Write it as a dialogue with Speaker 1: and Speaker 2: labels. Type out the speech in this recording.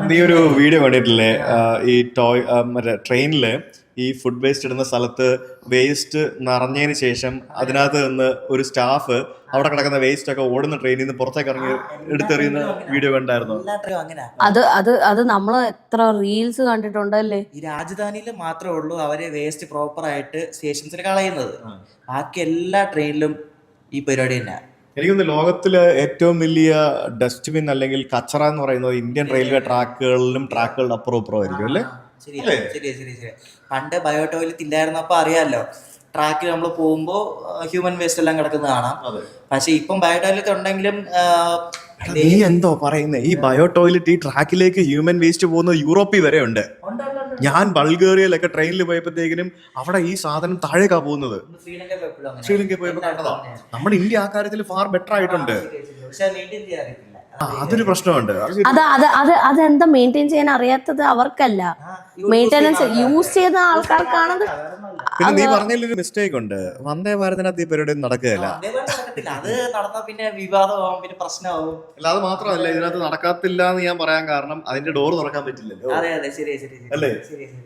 Speaker 1: നീ ഒരു വീഡിയോ കണ്ടിട്ടില്ലേ? ഈ ടോയ് മറ്റേ ട്രെയിനില് ഈ ഫുഡ് വേസ്റ്റ് ഇടുന്ന സ്ഥലത്ത് വേസ്റ്റ് നിറഞ്ഞതിന് ശേഷം അതിനകത്ത് നിന്ന് ഒരു സ്റ്റാഫ് അവിടെ കിടക്കുന്ന വേസ്റ്റ് ഒക്കെ ഓടുന്ന ട്രെയിനിൽ നിന്ന് പുറത്തേക്ക് ഇറങ്ങി എടുത്തെറിയുന്ന വീഡിയോ കണ്ടായിരുന്നു.
Speaker 2: അത് നമ്മൾ എത്ര റീൽസ് കണ്ടിട്ടുണ്ടല്ലേ.
Speaker 3: ഈ രാജധാനിയിൽ മാത്രമേ ഉള്ളൂ അവര് വേസ്റ്റ് പ്രോപ്പർ ആയിട്ട് സ്റ്റേഷൻസിൽ കളയുന്നത്. ബാക്കി എല്ലാ ട്രെയിനിലും ഈ പരിപാടി തന്നെ.
Speaker 1: എനിക്കൊന്ന് ലോകത്തിലെ ഏറ്റവും വലിയ ഡസ്റ്റ്ബിൻ അല്ലെങ്കിൽ കച്ചറ എന്ന് പറയുന്നത് ഇന്ത്യൻ റെയിൽവേ ട്രാക്കുകളുടെ അപ്പുറം ആയിരിക്കും അല്ലേ?
Speaker 3: ശരി. പണ്ട് ബയോ ടോയ്ലറ്റ് ഇല്ലായിരുന്നപ്പോ അറിയാലോ, ട്രാക്കിൽ നമ്മൾ പോകുമ്പോ ഹ്യൂമൻ വേസ്റ്റ് എല്ലാം കിടക്കുന്നത് കാണാം. പക്ഷെ ഇപ്പം ബയോ ടോയ്ലറ്റ് ഉണ്ടെങ്കിലും
Speaker 1: നീ എന്തോ പറയുന്നേ? ഈ ബയോ ടോയ്ലറ്റ് ഈ ട്രാക്കിലേക്ക് ഹ്യൂമൻ വേസ്റ്റ് പോകുന്നത് യൂറോപ്പിൽ വരെ ഉണ്ട്. ഞാൻ ബൾഗേറിയയിലൊക്കെ ട്രെയിനിൽ പോയപ്പോഴത്തേക്കിനും അവിടെ ഈ സാധനം താഴേക്കാ പോകുന്നത്. ശ്രീലങ്കയിൽ പോയപ്പോ കണ്ടതാ. നമ്മുടെ ഇന്ത്യ ആ കാര്യത്തിൽ ഫാർ ബെറ്റർ ആയിട്ടുണ്ട്. അതൊരു പ്രശ്നമുണ്ട്.
Speaker 2: അതെന്താ മെയിൻറ്റെയിൻ ചെയ്യാൻ അറിയാത്തത് അവർക്കല്ല, മെയിൻ്റെനൻസ് യൂസ് ചെയ്യുന്ന ആൾക്കാർക്കാണത്.
Speaker 1: പിന്നെ നീ പറഞ്ഞതിലൊരു മിസ്റ്റേക്ക് ഉണ്ട്. വന്ദേ ഭാരതിനകത്ത് ഈ പരിപാടി നടക്കുകയല്ല.
Speaker 3: അത് നടന്നാ പിന്നെ വിവാദമാവും, പിന്നെ പ്രശ്നമാവും.
Speaker 1: അല്ല, അത് മാത്രമല്ല ഇതിനകത്ത് നടക്കത്തില്ല എന്ന് ഞാൻ പറയാൻ കാരണം അതിന്റെ ഡോർ തുറക്കാൻ പറ്റില്ലല്ലോ.
Speaker 3: അതെ ശരി
Speaker 1: അല്ലേ?